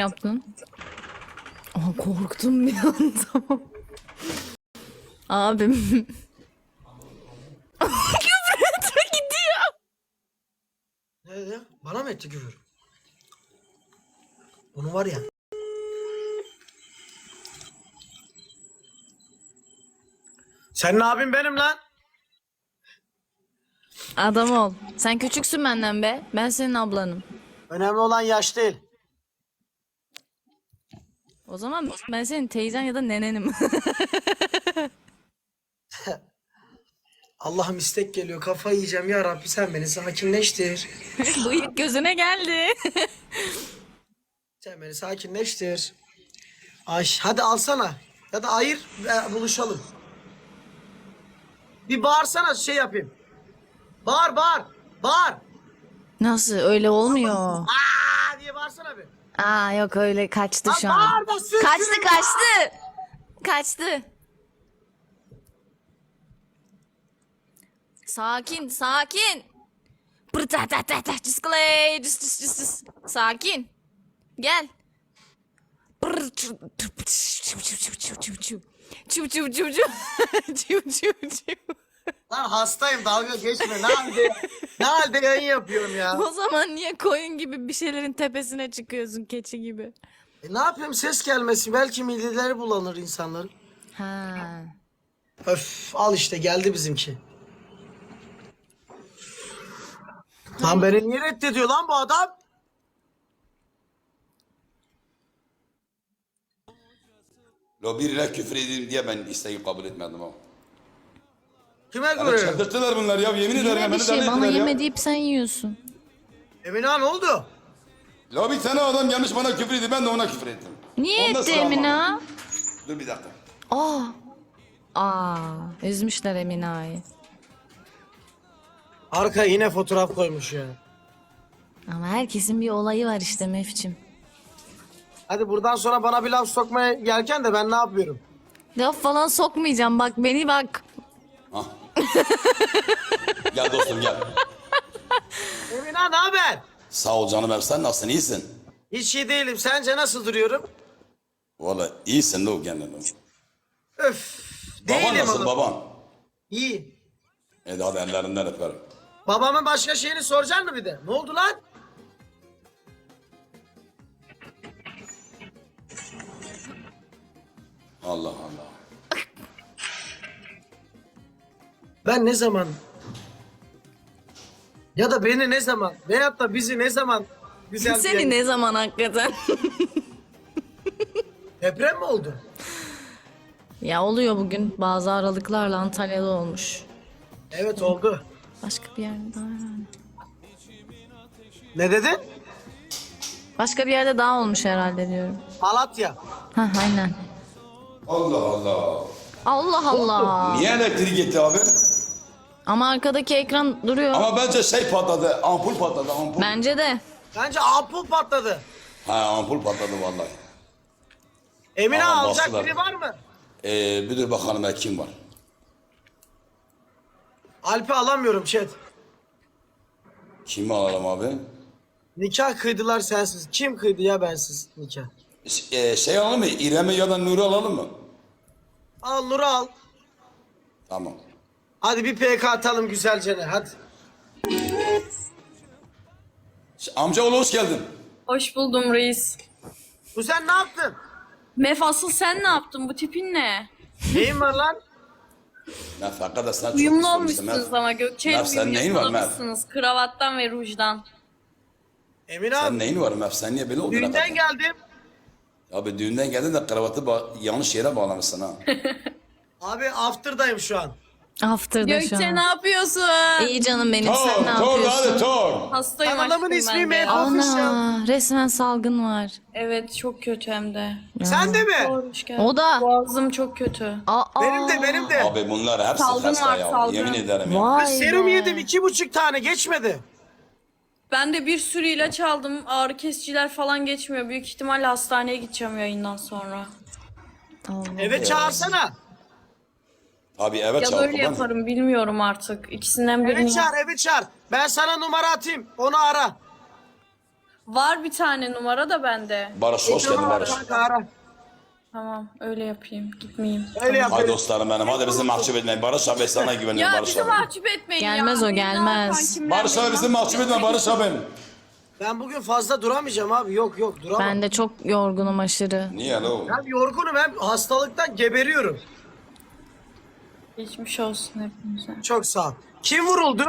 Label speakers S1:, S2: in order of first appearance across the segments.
S1: yaptın? Aa, korktum bir an tamam. Abim. Küfür etme gidiyor.
S2: Ne dedi? Bana mı etti küfür? Bunu var ya. Senin abin benim lan.
S1: Adam ol. Sen küçüksün benden be. Ben senin ablanım.
S2: Önemli olan yaş değil.
S1: O zaman ben senin teyzen ya da nenenim.
S2: Allah'ım istek geliyor. Kafayı yiyeceğim ya Rabbi, sen beni sakinleştir.
S1: Bıyık gözüne geldi.
S2: Sen beni sakinleştir. Ay hadi alsana. Ya da ayır buluşalım. Bir bağırsana, şey yapayım. Bağır bağır. Bağır.
S1: Nasıl öyle olmuyor.
S2: Aa diye bağırsana bir.
S1: Aa yok öyle kaçtı
S2: Lan
S1: şu an.
S2: bağır da sür,
S1: Kaçtı
S2: sürün.
S1: kaçtı. Kaçtı. Sakin sakin. Pırtatatatat, cısklay, cıs. Sakin. Gel.
S2: Lan hastayım, dalga geçme. Ne halde yayın yapıyorum ya.
S1: O zaman niye koyun gibi bir şeylerin tepesine çıkıyorsun, keçi gibi?
S2: Ne yapayım, ses gelmesi, belki mideleri bulanır insanların.
S1: Ha.
S2: Öf, al işte geldi bizimki. Lan beni niye reddediyor lan bu adam?
S3: Lo biriyle küfür edeyim diye ben isteği kabul etmedim ama.
S2: Kime
S3: Yani
S2: göre?
S3: çıldırttılar bunlar ya, yemin ederim
S1: Yine bir
S3: beni
S1: şey
S3: deli
S1: bana
S3: ettiler
S1: yeme
S3: ya.
S1: deyip sen yiyorsun.
S2: Emine ne oldu?
S3: La bir tane adam gelmiş bana küfür ediyor, ben de ona küfür ettim.
S1: Niye
S3: Ondan
S1: etti
S3: sonra ama-
S1: Emine?
S3: Dur bir dakika.
S1: Aa, üzmüşler Emine'yi.
S2: Arkaya yine fotoğraf koymuş ya.
S1: Ama herkesin bir olayı var işte Mefçim.
S2: Hadi buradan sonra bana bir laf sokmaya gelken de ben ne yapıyorum?
S1: Laf falan sokmayacağım bak beni bak.
S3: Hah. Gel dostum gel.
S2: Emine ne haber?
S3: Sağ ol canım, hep sen nasılsın, iyisin?
S2: Hiç iyi değilim. Sence nasıl duruyorum?
S3: Valla iyisin de o kendine.
S2: Öf.
S3: Baban
S2: Değilim
S3: nasıl
S2: oğlum.
S3: baban?
S2: İyi.
S3: Hadi ellerinden öperim.
S2: Babamın başka şeyini soracaksın mı bir de? Ne oldu lan?
S3: Allah Allah.
S2: Ben ne zaman ya da beni ne zaman veyahut da bizi ne zaman güzel bir
S1: Seni
S2: yayın-
S1: ne zaman hakikaten?
S2: Deprem mi oldu?
S1: Ya oluyor bugün bazı aralıklarla Antalya'da olmuş.
S2: Evet oldu.
S1: Başka bir yerde daha herhalde.
S2: Ne dedin?
S1: Başka bir yerde daha olmuş herhalde diyorum.
S2: Malatya.
S1: Ha aynen.
S3: Allah Allah.
S1: Allah Allah.
S3: Niye elektrik gitti abi?
S1: Ama arkadaki ekran duruyor.
S3: Ama bence şey patladı, ampul patladı, ampul.
S1: Bence de.
S2: Bence ampul patladı.
S3: Ha ampul patladı vallahi.
S2: Emine
S3: Aman
S2: alacak
S3: bastılar.
S2: biri var mı?
S3: Bir dur bakalım kim var?
S2: Alp'i alamıyorum chat.
S3: Kimi alalım abi?
S2: Nikah kıydılar sensiz. Kim kıydı ya bensiz nikah?
S3: Şey alalım mı? İrem'i ya da Nur'u alalım mı?
S2: Al Nur'u al.
S3: Tamam.
S2: Hadi bir PK atalım güzelce ne hadi.
S3: Amcaoğlu hoş geldin.
S4: Hoş buldum reis.
S2: Bu sen ne yaptın?
S4: Mef asıl sen ne yaptın? Bu tipin ne?
S2: Neyin var lan?
S3: Nefaka da sen çok
S4: Uyumlu
S3: pis olmuşsun,
S4: olmuşsunuz
S3: Mef.
S4: ama Gökçe'yle
S3: Mef, sen neyin var, Mef?
S4: yakalamışsınız. Kravattan ve rujdan.
S2: Emine
S3: Sen
S2: abi
S3: neyin var Mef? Sen niye böyle oldun?
S2: düğünden
S3: hakikaten?
S2: geldim.
S3: Abi düğünden geldin de kravatı yanlış yere bağlamışsın ha.
S2: Abi after'dayım şu an.
S1: After'da şu
S4: Gökçe
S1: an.
S4: ne yapıyorsun?
S1: İyi canım benim sen ne
S3: Tor hadi
S1: yapıyorsun?
S3: Tor.
S4: Hastayım
S2: Kanalımın
S4: aşkım
S2: ismi
S4: ben de
S2: Mef.
S4: ya.
S1: Ana resmen salgın var.
S4: Evet çok kötü hem de.
S2: Sen de mi?
S4: Hoş geldin.
S1: O da.
S4: Boğazım çok kötü.
S1: Aa,
S2: Benim de.
S3: Abi bunlar hepsi
S4: Salgın
S3: hasta
S4: var,
S3: ya.
S4: salgın.
S3: Yemin ederim ya.
S1: Vay
S2: Serum
S1: be.
S2: yedim 2,5 tane geçmedi.
S4: Ben de bir sürü ilaç aldım. Ağrı kesiciler falan geçmiyor. Büyük ihtimalle hastaneye gideceğim yayından sonra.
S1: Allah.
S2: Eve çağırsana.
S3: Abi evet
S4: Ya da
S3: çabuk.
S4: öyle yaparım bilmiyorum artık. İkisinden birini.
S2: Eve çağır. Ben sana numara atayım. Onu ara.
S4: Var bir tane numara da bende.
S3: Barış hoş geldin Barış.
S2: Kanka ara.
S4: Tamam öyle yapayım. Gitmeyeyim.
S2: Öyle yap.
S3: Hay dostlarım benim. Hadi bizi mahcup etmeyin. Barış abi sana güveniyorum
S4: Ya
S3: Barış
S4: bizi
S3: abi.
S4: mahcup etmeyin ya.
S1: Gelmez o,
S4: Benim
S1: gelmez.
S4: kankimler
S3: Barış abi
S4: beni
S3: bizi mahcup etme Barış abim.
S2: Ben bugün fazla duramayacağım abi. Yok duramam.
S1: Ben de çok yorgunum aşırı.
S3: Niye lo?
S2: Hem yorgunum hem hastalıktan geberiyorum.
S4: Geçmiş olsun hepimize.
S2: Çok sağ ol. Kim vuruldu?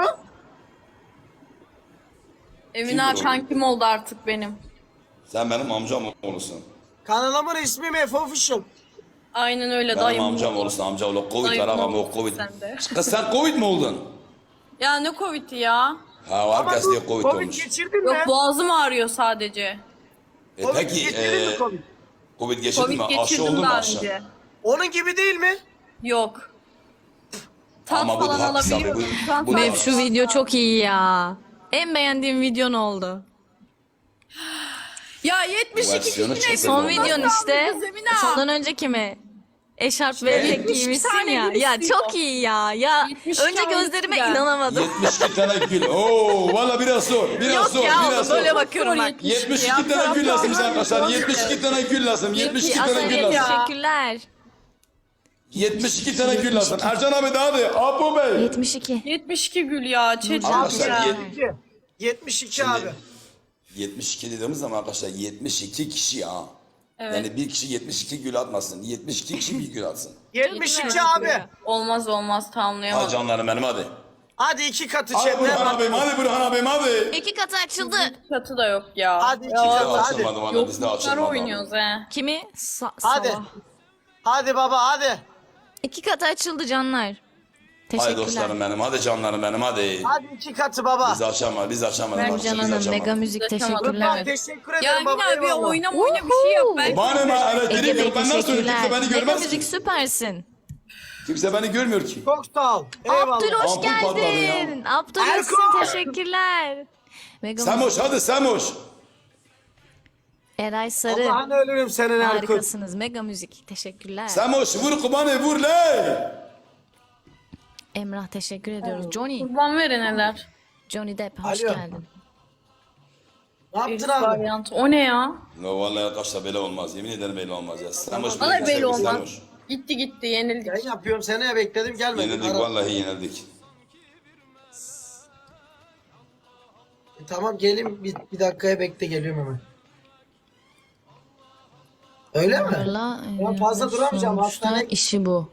S4: Emine kankim oldu artık benim.
S3: Sen benim amcam oğlusun.
S2: Kanalımın ismi Mef Official.
S4: Aynen öyle
S3: Benim
S4: dayım.
S3: amcam
S4: oldu.
S3: oğlusun amca oğlu. Covid
S4: Dayım
S3: var ağam o
S4: oldu
S3: Covid.
S4: sen de.
S3: Kız sen Covid mi oldun?
S4: Ya ne Covid'i ya?
S3: Ha herkes diye Covid
S2: Covid
S3: olmuş.
S2: geçirdin
S4: Yok
S2: mi?
S4: boğazım ağrıyor sadece.
S2: Covid
S3: Peki
S2: geçirdin mi Covid?
S3: Covid geçirdin
S4: Covid
S3: mi? Aşı
S4: geçirdim
S3: oldun mu
S4: daha
S3: aşı?
S4: önce.
S2: Onun gibi değil mi?
S4: Yok. Tat
S3: Ama bu
S4: falan
S3: da haklısın abi,
S4: alabiliyorum.
S3: bu-
S4: Şu an
S3: bu da
S1: Mev
S4: sadece-
S1: şu video çok iyi ya. En beğendiğim videon oldu.
S4: Ya 72
S3: Versiyonu
S4: kişi ne?
S3: çıksın
S1: Son
S3: Ondan
S1: videon işte.
S4: aldınız Emine?
S1: Sondan önceki mi? Eşarp ve
S3: Ne?
S1: etek
S4: 70
S1: giymişsin
S4: tane
S1: ya.
S4: gül
S1: Ya
S4: istiyor.
S1: çok iyi ya. Ya
S4: 70
S1: önce
S4: tane
S1: gözlerime
S4: istiyor.
S1: inanamadım.
S3: 72 tane gül. Oo valla biraz zor. Biraz
S1: Yok
S3: zor.
S1: ya
S3: Biraz
S1: böyle
S3: zor.
S1: bakıyorum bak.
S3: 72 tane gül lazım bize arkadaşlar. 72 tane gül lazım. 72 tane
S1: Azalea
S3: gül lazım.
S1: teşekkürler.
S3: 72 tane gül lazım. Ercan abi daha hadi. Apo Bey.
S1: 72.
S4: 72 gül ya. Çetin
S3: Arkadaşlar,
S4: ya.
S2: 72 abi.
S3: 72 dediğimiz zaman arkadaşlar 72 kişi ya.
S4: Evet.
S3: Yani bir kişi 72 gül atmasın. 72 kişi bir gül atsın.
S2: 72 abi.
S4: Olmaz
S3: Hadi
S4: tamamlayamadım.
S3: canlarım benim hadi.
S2: Hadi 2 katı
S3: Hadi Burhan
S2: chatten.
S3: abim hadi Burhan abim hadi.
S1: İki katı açıldı.
S4: Çatı da yok ya.
S2: Hadi 2
S3: Bizde
S2: katı hadi.
S3: açılmadı valla bizde
S4: Yokluklar
S3: açılmadı.
S4: oynuyoruz he.
S1: Kimi?
S2: Hadi.
S1: Sabah.
S2: Hadi baba hadi.
S1: İki katı açıldı canlar.
S3: Hadi
S1: Teşekkürler.
S3: dostlarım benim hadi canlarım benim hadi.
S2: Hadi 2 katı baba.
S3: Biz açamadık biz açamadık.
S1: Mercan
S3: arkadaşlar, biz
S1: Hanım,
S3: açamadık.
S1: Mega Müzik
S4: Açamadım.
S2: Rıdvan
S1: teşekkürler.
S2: teşekkür
S4: Ya
S2: ederim baba.
S4: Emine abi
S2: eyvallah.
S4: oyna bir şey yap. Ben
S3: Bana ne
S1: Ege
S3: elektrik
S1: Bey
S3: yok ben nasıl söyleyeyim kimse
S1: teşekkürler.
S3: beni
S1: Mega
S3: görmez ki.
S1: Müzik süpersin.
S3: Kimse beni görmüyor ki.
S2: Çok sağ ol. Eyvallah.
S1: Abdül hoş
S3: Ampul patladı ya.
S1: geldin. Abdül
S2: Erko!
S1: Hüsnü teşekkürler. Mega Müzik.
S3: Semoş hadi Semoş.
S1: Eray Sarı.
S2: Allah'ını ölürüm senin Erkut.
S1: Harikasınız. Mega Müzik teşekkürler.
S3: Semoş vur kubanı vur le.
S1: Emrah teşekkür ediyoruz. Johnny.
S4: kurban vereneler.
S1: Johnny Depp hoş
S2: Alo.
S1: geldin.
S2: Ne yaptın
S4: Elif
S2: abi?
S4: varyant. O ne ya?
S3: No vallahi arkadaşlar böyle olmaz. Yemin ederim böyle olmaz ya. Semoş
S4: Vallahi
S3: bir
S4: böyle
S3: sevgili
S4: olmaz.
S3: Semoş.
S4: Gitti yenildik.
S2: Ben yapıyorum seni bekledim gelmedin.
S3: Yenildik
S2: Ara-
S3: vallahi yenildik.
S2: Tamam gelin bir dakikaya bekle geliyorum hemen. Öyle mi?
S1: Valla,
S2: Ben fazla duramayacağım,
S1: sonuçta
S2: hastane-
S1: işi bu.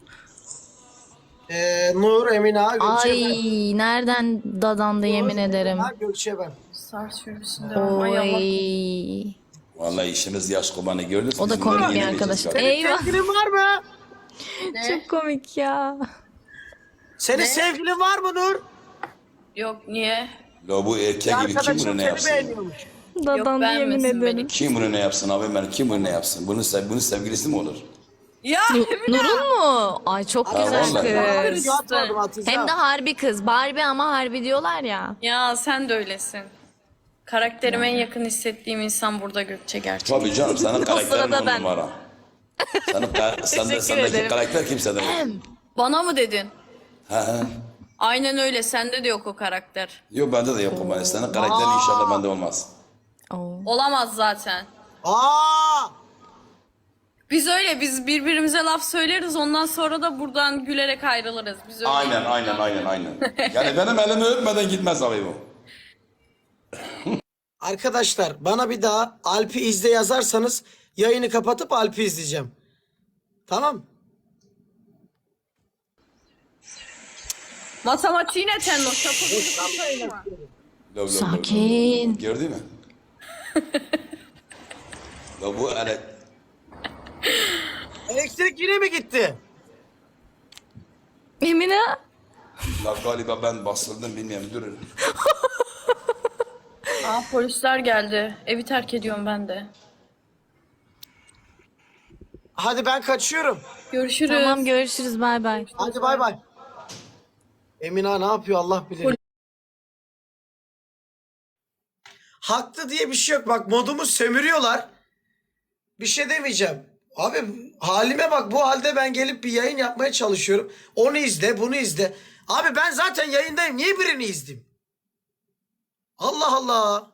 S2: Nur, Emine Ağa, Gökçe ben.
S1: Ay nereden dadandı yemin ederim.
S2: Ha, Gökçe ben.
S4: Sar sürüsünde. Ay Allah.
S1: Oy.
S3: Vallahi işimiz yaş kubanı gördünüz.
S1: O da
S3: Biz
S1: komik
S3: bunları
S1: bir
S3: yenemeyeceğiz
S1: arkadaş.
S3: galiba.
S1: Eyvah.
S2: Sevgilin var mı?
S1: Çok komik ya.
S2: Senin sevgilin var mı Nur?
S4: Yok niye?
S3: La bu erkek gibi kim
S2: Arkadaşım
S3: bunu ne
S2: seni
S3: yapsın?
S2: beğeniyormuş.
S1: Dadandı yemin
S4: beğenmesin
S1: ederim.
S4: beni.
S3: Kim bunu ne yapsın abi ben kim bunu ne yapsın? Bunun sevgilisi mi olur?
S4: Ya Emine.
S1: Nurun mu? Ay çok güzel
S3: vallahi.
S1: kız.
S2: Atmadım atacağım.
S1: Hem de harbi kız. Barbie ama harbi diyorlar ya.
S4: Ya sen de öylesin. Karakterime en yakın hissettiğim insan burada Gökçe gerçekten.
S3: Tabii canım senin karakterin
S1: sırada
S3: on
S1: ben.
S3: numara.
S1: Teşekkür
S3: Sendeki
S1: ederim.
S3: karakter kimsede yok.
S4: Bana mı dedin?
S3: He he.
S4: Aynen öyle. Sende de yok o karakter.
S3: Yok bende de yok o bana. Senin karakterin inşallah bende olmaz.
S1: Oo.
S4: Olamaz zaten.
S2: Aa!
S4: Biz öyle. Biz birbirimize laf söyleriz. Ondan sonra da buradan gülerek ayrılırız. Biz öyle.
S3: Aynen. Yani benim elimi öpmeden gitmez abi bu.
S2: Arkadaşlar bana bir daha Alp'i izle yazarsanız yayını kapatıp Alp'i izleyeceğim. Tamam.
S4: Matematiğine tenno.
S3: Lo, lo, lo,
S1: Sakin.
S3: Gördün mü? Ya bu
S2: Elektrik yine mi gitti?
S1: Emine.
S3: la galiba ben basıldım bilmiyorum durun.
S4: Aa polisler geldi. Evi terk ediyorum ben de.
S2: Hadi ben kaçıyorum.
S4: Görüşürüz.
S1: Tamam görüşürüz bay bay.
S2: Hadi bay bay. Emine Ağa ne yapıyor Allah bilir. Haklı diye bir şey yok. Bak modumu sömürüyorlar. Bir şey demeyeceğim. Abi halime bak bu halde ben gelip bir yayın yapmaya çalışıyorum. Onu izle bunu izle. Abi ben zaten yayındayım. Niye birini izleyeyim? Allah Allah.